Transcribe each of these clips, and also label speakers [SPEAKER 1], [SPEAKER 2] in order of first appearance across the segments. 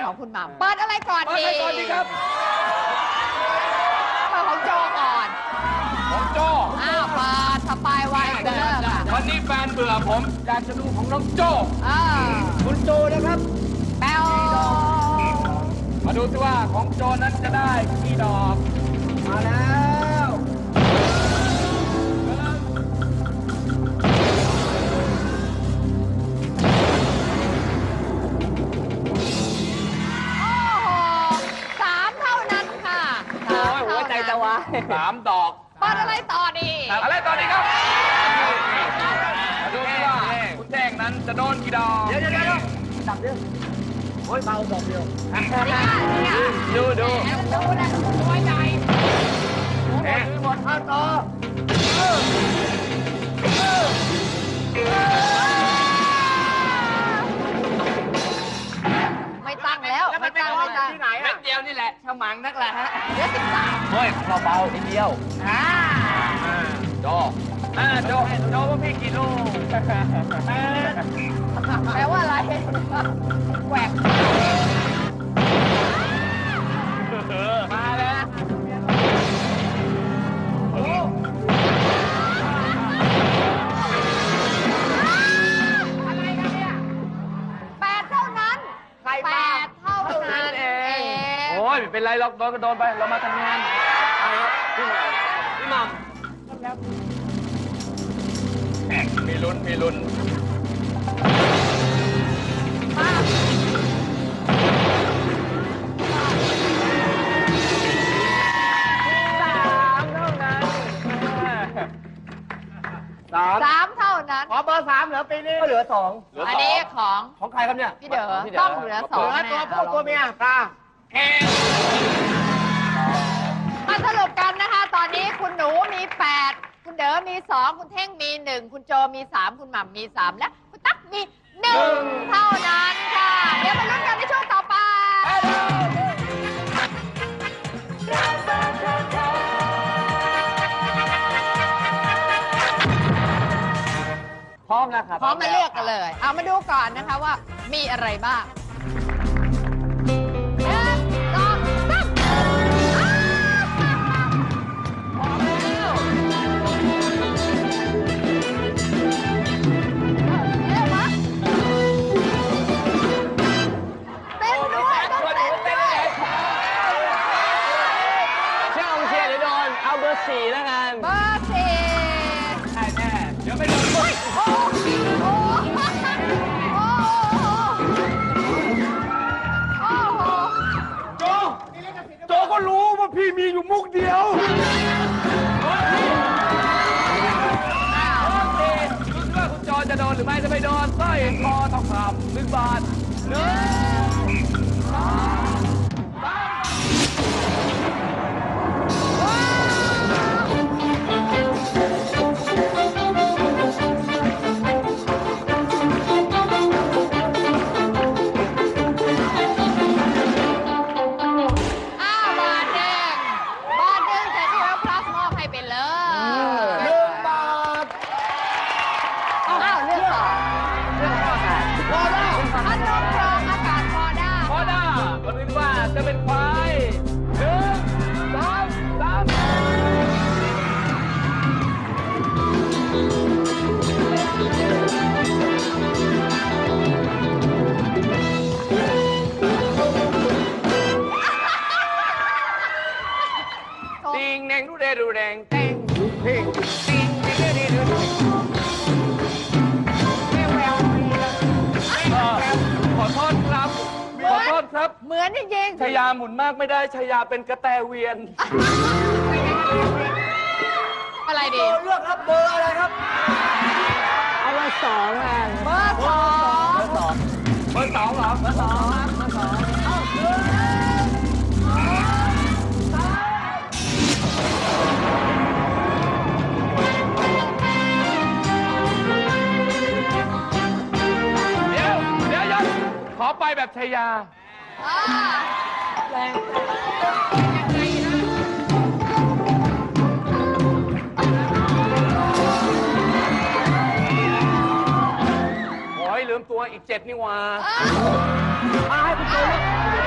[SPEAKER 1] ของคุณหม่ำเปิดอะไรก่อนดี
[SPEAKER 2] เปิดอะไรก่อนดีครับ
[SPEAKER 1] เปิดของโจก่อน
[SPEAKER 2] ของโจ
[SPEAKER 1] เปิดสปายไวน์เดอร์ค่ะ
[SPEAKER 2] วันนี้แฟนเบื่อผมอยากจะดูของน้องโจ
[SPEAKER 3] คุณโจนะครับ
[SPEAKER 1] แปว
[SPEAKER 2] มาดูสิว่าของโจนั้นจะได้กี่ดอก
[SPEAKER 3] มาแล้ว
[SPEAKER 1] โอ้โห3 เท่านั้นค่ะ
[SPEAKER 3] โอ้ยหัวใจจะวาย
[SPEAKER 2] 3 ดอก
[SPEAKER 1] เปิดอะไรต่อดี
[SPEAKER 2] อะไรตอนนี้ครับมาดูสิว่าคุณแท่งนั้นจะโดนกี่ดอก
[SPEAKER 3] เดี๋ยวดับเดียวโอ้ยเบาดอกเดียว
[SPEAKER 2] ดู
[SPEAKER 1] ดูนะตัวใหญ่
[SPEAKER 3] หมดข้าวต่อ
[SPEAKER 1] ไม่ตั้งแล้วไม่ตั้งไม่ตั้ง
[SPEAKER 3] ที่ไหน
[SPEAKER 2] เม็
[SPEAKER 3] อ่ะ
[SPEAKER 2] ดเดียวนี่แหละฉมังนักแหละฮะ
[SPEAKER 1] เหลือ13
[SPEAKER 2] เฮ้ยเบาๆนิดเดียวโจโจว่าพี่กี่ลูก
[SPEAKER 1] แปลว่าอะไรแหวก
[SPEAKER 2] มาแล้วโอ้
[SPEAKER 1] อะไรกันเนี่ย8 เท่านั้น8 เท่านั้นเอง
[SPEAKER 2] โอ้ยไม่เป็นไรหรอกโดนก็โดนไปเรามาทำงานพี่หม่ำมีลุ้น
[SPEAKER 1] 3 เท่านั้น
[SPEAKER 3] ขอเบอร์ 3เหลือปีนี้ก็เหลือ 2
[SPEAKER 1] อันนี้ของ
[SPEAKER 3] ของใครครับเนี่ย
[SPEAKER 1] พี่เด๋อต้องเหลือ 2
[SPEAKER 3] เหลือตัวผู้ตัวเมียตา
[SPEAKER 1] มาสรุปกันนะคะ ตอนนี้คุณหนูมี 8 คุณเด๋อมี 2 คุณเท่งมี 1 คุณโจมี 3 คุณหม่ำมี 3 และคุณตั๊กมี 1 เท่านั้นค่ะ เดี๋ยวมาลุ้นกันในช่วงต่อไป
[SPEAKER 3] พร้อมแล้วครับ
[SPEAKER 1] พร้อมมาเลือกกันเลย เอามาดูก่อนนะคะว่ามีอะไรบ้าง1 2 3อ้าวพร้อมแล้วเร็วมาเต้นด้วยต้องเต้นด้วย
[SPEAKER 3] เชื่อองเชียร์หรือโดน เอาเบอร์ 4 แล้วกัน
[SPEAKER 1] เบอร์ 4
[SPEAKER 2] ใช่แน่เดี๋ยวไม่โดน
[SPEAKER 1] โอ้โหโอ้โห
[SPEAKER 2] โจก็รู้ว่าพี่มีอยู่มุกเดียวรู้ว่าคุณโจจะโดนหรือไม่จะไม่โดนสร้อยคอทองคำ1 บาท
[SPEAKER 1] บาทหนึ่งจาก12 plus มอบให้ไปเลย
[SPEAKER 3] 1 บาท
[SPEAKER 1] อ้าวเลือกต่อพัดลมกรองอากาศพอได้
[SPEAKER 2] พอได้มาดูว่าจะเป็นใคร1 2 3ติงแดงดูแดงแตงติงติงดูแดงขอโทษครับขอโทษครับ
[SPEAKER 1] เหมือนจริงๆ
[SPEAKER 2] ชายาหมุนมากไม่ได้ชายาเป็นกระแตเวียน
[SPEAKER 1] อะไรดี
[SPEAKER 3] เลือกครับเบอร์อะไรครับ เอาเบอร์ 2แล้วกัน
[SPEAKER 1] เบอร์ 2
[SPEAKER 3] เบอร์ 2
[SPEAKER 2] เบอร์ 2เหรอเบอร์ 2 เดี๋ยวขอไปแบบชายา
[SPEAKER 1] แรง
[SPEAKER 2] โอ้ยลืมตัวอีก 7 นี่หว่า
[SPEAKER 3] ให้คุณโจเลือก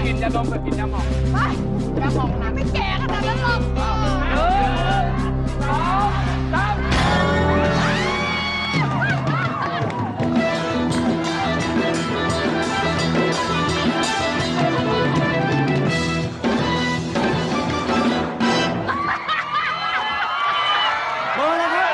[SPEAKER 2] กินยาดมกับกินยาหมอง
[SPEAKER 1] ไปอย่ามองนะไม่แก่ขนาดนั้นหรอก
[SPEAKER 2] 1 2
[SPEAKER 3] เบอร์อะไรครับ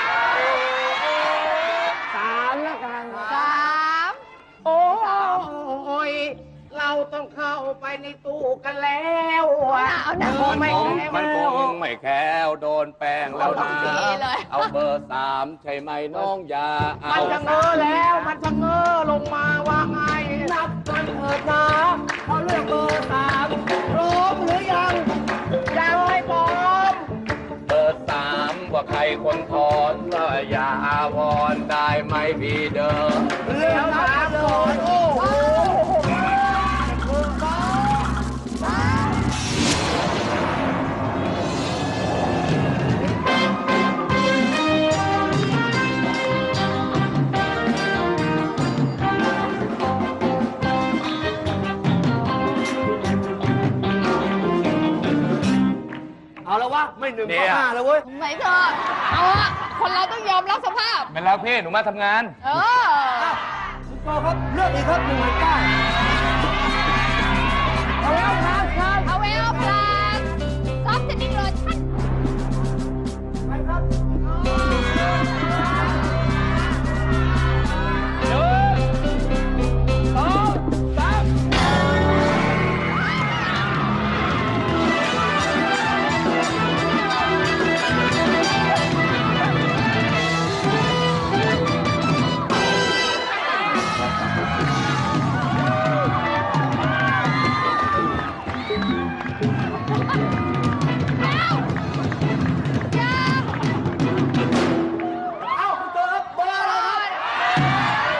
[SPEAKER 3] สามแล้วกัน
[SPEAKER 1] สาม
[SPEAKER 3] โอ้ยเราต้องเข้าไปในตู้กันแล้ว
[SPEAKER 1] เอาหนัก
[SPEAKER 2] 3มันคงไม่แค้วโดนแป้งแล้วนะเอาเบอร์ 3 ใช่ไหมน้องยาเอา
[SPEAKER 3] มันจะเง้อแล้วมันจะเง้อลงมาว่าไงนับกันเถิดนะเขาเลือกเบอร์สามพร้อมหรือยังยังไม่พร้อม
[SPEAKER 2] เบอร์ 3 ว่าใครคนถอนก็อย่าอาวรณ์ได้ไหมพี่เด้อ
[SPEAKER 3] เรื่องสามคนโอ้โห เอาแล้ววะไม่1 ก็ 5แล้วเว้ย
[SPEAKER 1] ไหนเธอเอาอะคนเราต้องยอมรับสภาพ
[SPEAKER 2] ไม่แล้วพี่หนูมาทำงาน
[SPEAKER 1] เออ
[SPEAKER 3] คุณโจครับเลือกอีกครับ1 9เอาแล้วครับครับ
[SPEAKER 1] เอาเวลพลัสซอฟต์เทนนิ่งโลชั่น
[SPEAKER 3] ไปครับ เอาคุณโจครับเบอร์อะไรครับ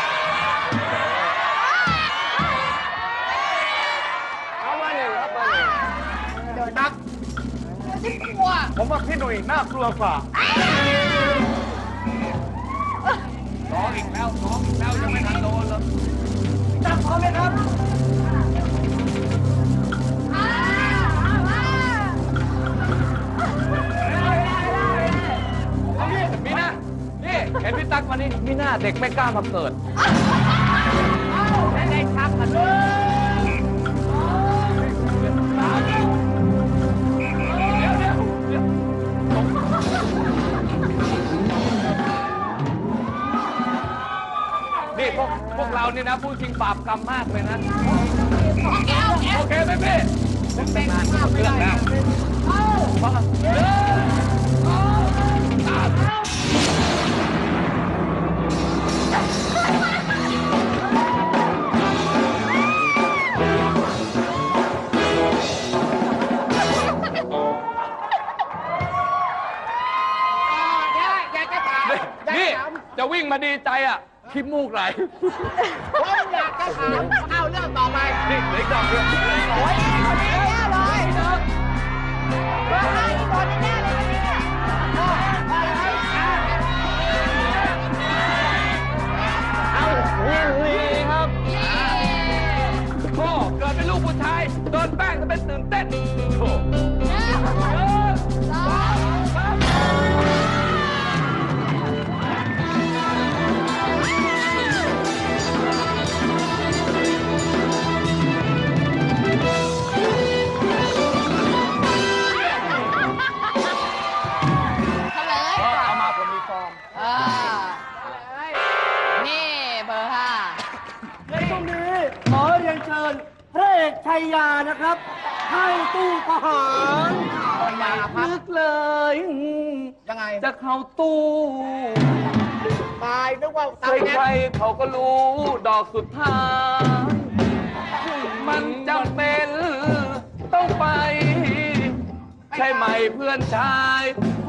[SPEAKER 3] เอามา1ครับมา1
[SPEAKER 1] โดนนักที่กลัว
[SPEAKER 2] ผมว่าพี่หนุ่ยน่ากลัวกว่าร้องอีกแล้วยังไม่ทันโดนเลย
[SPEAKER 3] จับพร้อมไหมครับ
[SPEAKER 2] มีหน้านี่เห็นพี่ตั๊กมานี่มีหน้าเด็กไม่กล้ามาเกิด
[SPEAKER 3] ได้ชักกันเลย
[SPEAKER 2] นี่พวกเรานี่นะพูดจริงบาปกรรมมากเลยนะ
[SPEAKER 1] แก้วแก้ว
[SPEAKER 2] โอเคไหมพี่ผมแต่งงานเรื่องแล้ว
[SPEAKER 3] อยากจะถาม
[SPEAKER 2] นี่จะวิ่งมาดีใจอ่ะขี้มูกไหล
[SPEAKER 3] ผมอยากจะถามเอาเรื่องต่อไป
[SPEAKER 2] นี่เหลืออีกดอกเดียว
[SPEAKER 1] โอ้ยคนนี้แน่เลยเบอร์ห้าอีกคนแน่เลยเนี่ย
[SPEAKER 2] เอาลีครับพ่อเกิดเป็นลูกผู้ชายโดนแป้งจะเป็นตื่นเต้นโถ่
[SPEAKER 1] เฉลย
[SPEAKER 2] เอามาผมมีฟอร์ม
[SPEAKER 1] นี่เบอร์ห้า
[SPEAKER 3] ในตรงนี้ขอเรียนเชิญพระเอกชัยยานะครับเข้าตู้ประหารนึกเลยยังไงจะเข้าตู้ตายนึกว่าตาย
[SPEAKER 2] ใครๆเขาก็รู้ดอกสุดท้ายมันจำเป็นต้องไป ใช่ไหมเพื่อนชาย